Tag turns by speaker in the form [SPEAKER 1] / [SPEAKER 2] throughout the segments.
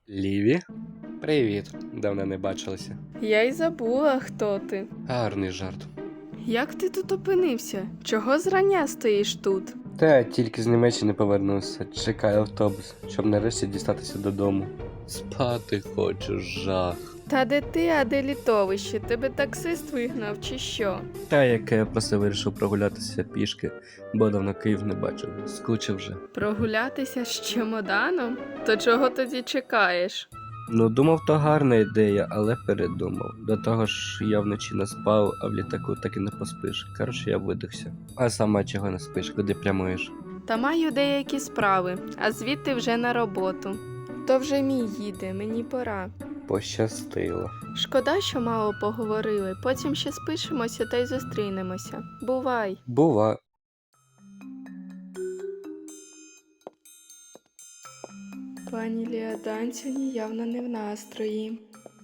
[SPEAKER 1] Ліві? Привіт, давно не бачилися.
[SPEAKER 2] Я й забула, хто ти.
[SPEAKER 1] Гарний жарт.
[SPEAKER 2] Як ти тут опинився? Чого зрання стоїш тут?
[SPEAKER 1] Та тільки з Німеччини повернувся, чекаю автобус, щоб нарешті дістатися додому. Спати хочу, жах.
[SPEAKER 2] Та де ти, а де літовище? Тебе таксист вигнав чи що?
[SPEAKER 1] Та яке я просто вирішив прогулятися пішки, бо давно Київ не бачив, скучив вже.
[SPEAKER 2] Прогулятися з чемоданом? То чого тоді чекаєш?
[SPEAKER 1] Ну, думав, то гарна ідея, але передумав. До того ж, я вночі не спав, а в літаку так і не поспиш. Коротше, я видихся. А сама чого не спиш, куди прямуєш?
[SPEAKER 2] Та маю деякі справи, а звідти вже на роботу. То вже мій їде, мені пора.
[SPEAKER 1] Пощастило.
[SPEAKER 2] Шкода, що мало поговорили, потім ще спишемося та й зустрінемося. Бувай!
[SPEAKER 1] Бува.
[SPEAKER 2] Пані Ліадан сьогодні явно не в настрої.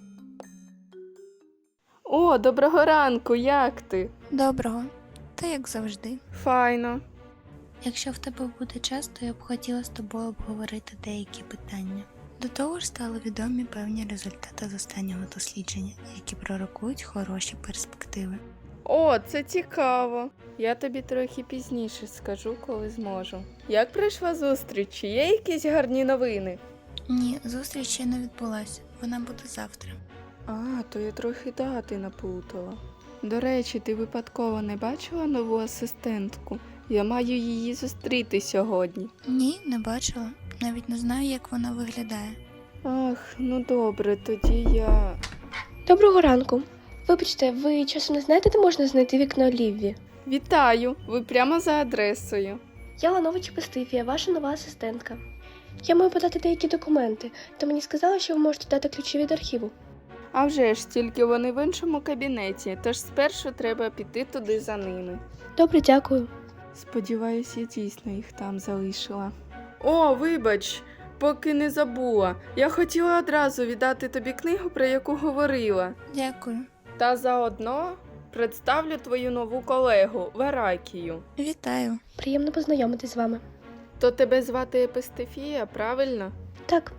[SPEAKER 2] О, доброго ранку, як ти?
[SPEAKER 3] Доброго. Та як завжди.
[SPEAKER 2] Файно.
[SPEAKER 3] Якщо в тебе буде час, то я б хотіла з тобою обговорити деякі питання. До того ж стали відомі певні результати з останнього дослідження, які пророкують хороші перспективи.
[SPEAKER 2] О, це цікаво. Я тобі трохи пізніше скажу, коли зможу. Як пройшла зустріч? Чи є якісь гарні новини?
[SPEAKER 3] Ні, зустріч ще не відбулася. Вона буде завтра.
[SPEAKER 2] А, то я трохи дати наплутала. До речі, ти випадково не бачила нову асистентку? Я маю її зустріти сьогодні.
[SPEAKER 3] Ні, не бачила. Навіть не знаю, як вона виглядає.
[SPEAKER 2] Ах, ну добре, тоді я...
[SPEAKER 4] Доброго ранку. Вибачте, ви часом не знаєте, де можна знайти вікно Лівві?
[SPEAKER 2] Вітаю! Ви прямо за адресою.
[SPEAKER 4] Я Ланович Пестифія, ваша нова асистентка. Я маю подати деякі документи, то мені сказали, що ви можете дати ключі від архіву.
[SPEAKER 2] А вже ж, тільки вони в іншому кабінеті, тож спершу треба піти туди за ними.
[SPEAKER 4] Добре, дякую.
[SPEAKER 2] Сподіваюсь, я дійсно їх там залишила. О, вибач, поки не забула. Я хотіла одразу віддати тобі книгу, про яку говорила.
[SPEAKER 3] Дякую.
[SPEAKER 2] Та заодно представлю твою нову колегу, Варакію.
[SPEAKER 3] Вітаю.
[SPEAKER 4] Приємно познайомитись з вами.
[SPEAKER 2] То тебе звати Епистефія, правильно?
[SPEAKER 4] Так,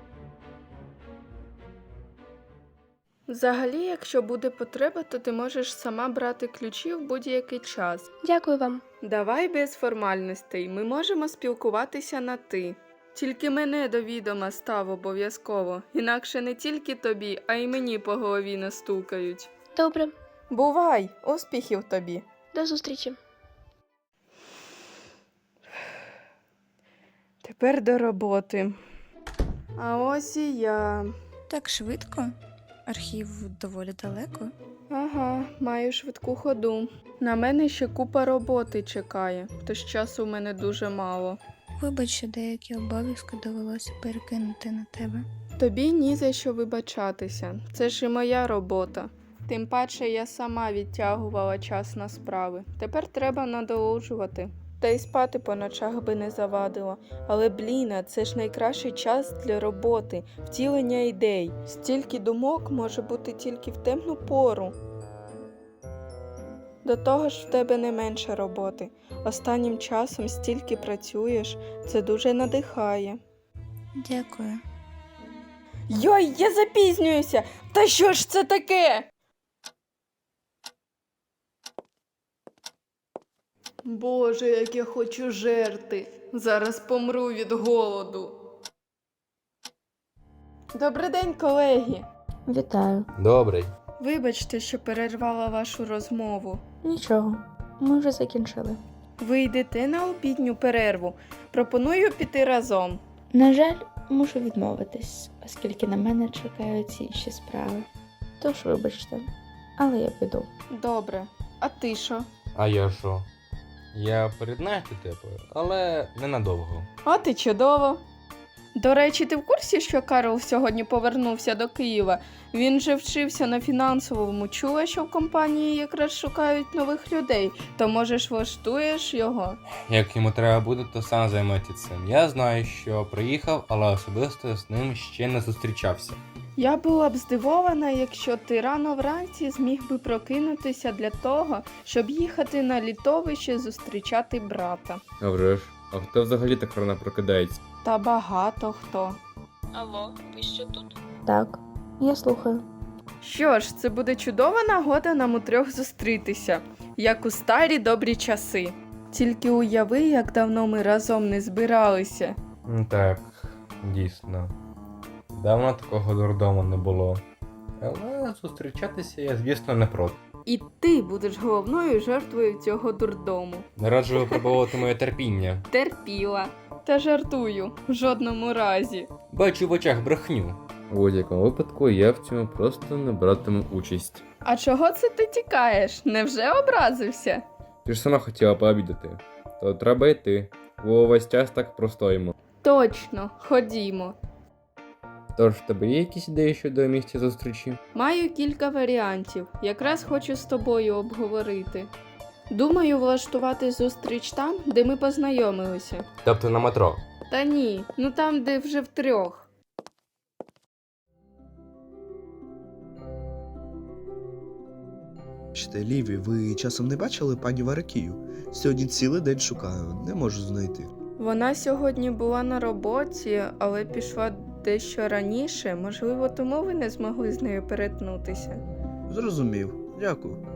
[SPEAKER 2] Взагалі, якщо буде потреба, то ти можеш сама брати ключі в будь-який час.
[SPEAKER 4] дякую вам.
[SPEAKER 2] Давай без формальностей, ми можемо спілкуватися на «ти». Тільки мене до відома став обов'язково, інакше не тільки тобі, а й мені по голові настукають.
[SPEAKER 4] Добре,
[SPEAKER 2] Бувай, успіхів тобі!
[SPEAKER 4] до зустрічі.
[SPEAKER 2] Тепер до роботи. А ось і я.
[SPEAKER 3] Так швидко? Архів доволі далеко.
[SPEAKER 2] Ага, маю швидку ходу. На мене ще купа роботи чекає, тож часу в мене дуже мало.
[SPEAKER 3] Вибач, що деякі обов'язки довелося перекинути на тебе.
[SPEAKER 2] Тобі ні за що вибачатися, це ж і моя робота. Тим паче я сама відтягувала час на справи. Тепер треба надолужувати. Та й спати по ночах би не завадило. Але, бліна, це ж найкращий час для роботи, втілення ідей. Стільки думок може бути тільки в темну пору. До того ж в тебе не менше роботи. Останнім часом стільки працюєш, це дуже надихає.
[SPEAKER 3] Дякую.
[SPEAKER 2] Йой, я запізнююся! Та що ж це таке? Боже, як я хочу жерти. Зараз помру від голоду. Добрий день, колеги.
[SPEAKER 5] Вітаю.
[SPEAKER 6] Добрий.
[SPEAKER 2] Вибачте, що перервала вашу розмову.
[SPEAKER 5] Нічого, ми вже закінчили.
[SPEAKER 2] Ви йдете на обідню перерву. Пропоную піти разом.
[SPEAKER 5] На жаль, мушу відмовитись, оскільки на мене чекають інші справи. Тож вибачте, але я піду.
[SPEAKER 2] Добре. А ти що?
[SPEAKER 6] А я що? Я приєднаюсь до тебе, але ненадовго.
[SPEAKER 2] От і чудово. До речі, ти в курсі, що Карл сьогодні повернувся до Києва? Він же вчився на фінансовому. Чула, що в компанії якраз шукають нових людей. То, можеш, влаштуєш його?
[SPEAKER 6] Як йому треба буде, то сам займеться цим. Я знаю, що приїхав, але особисто з ним ще не зустрічався.
[SPEAKER 2] Я була б здивована, якщо ти рано вранці зміг би прокинутися для того, щоб їхати на літовище зустрічати брата.
[SPEAKER 6] А вже ж, а хто взагалі так рано прокидається?
[SPEAKER 2] Та багато хто.
[SPEAKER 7] Алло, ви ще тут?
[SPEAKER 5] Так, я слухаю.
[SPEAKER 2] Що ж, це буде чудова нагода нам утрьох зустрітися, як у старі добрі часи. Тільки уяви, як давно ми разом не збиралися.
[SPEAKER 6] Так, дійсно. Давно такого дурдому не було. Але зустрічатися я, звісно, не проти.
[SPEAKER 2] І ти будеш головною жертвою цього дурдому.
[SPEAKER 6] Не раджу випробовувати моє терпіння.
[SPEAKER 2] Терпіла. Та жартую, в жодному разі.
[SPEAKER 6] Бачу в очах брехню. У будь-якому випадку я в цьому просто не братиму участь.
[SPEAKER 2] А чого це ти тікаєш? Невже образився?
[SPEAKER 6] Ти ж сама хотіла пообідати. То треба йти. Бо весь час так простоїмо.
[SPEAKER 2] Точно, ходімо.
[SPEAKER 6] Тож, в тебе є якісь ідеї щодо місця зустрічі?
[SPEAKER 2] Маю кілька варіантів. Якраз хочу з тобою обговорити. Думаю влаштувати зустріч там, де ми познайомилися.
[SPEAKER 6] Тобто на метро.
[SPEAKER 2] Та ні, ну там, де вже втрьох.
[SPEAKER 8] Ліві, ви часом не бачили пані Варакію? Сьогодні цілий день шукаю, не можу знайти.
[SPEAKER 2] Вона сьогодні була на роботі, але пішла дещо раніше. Можливо, тому ви не змогли з нею перетнутися.
[SPEAKER 8] Зрозумів, дякую.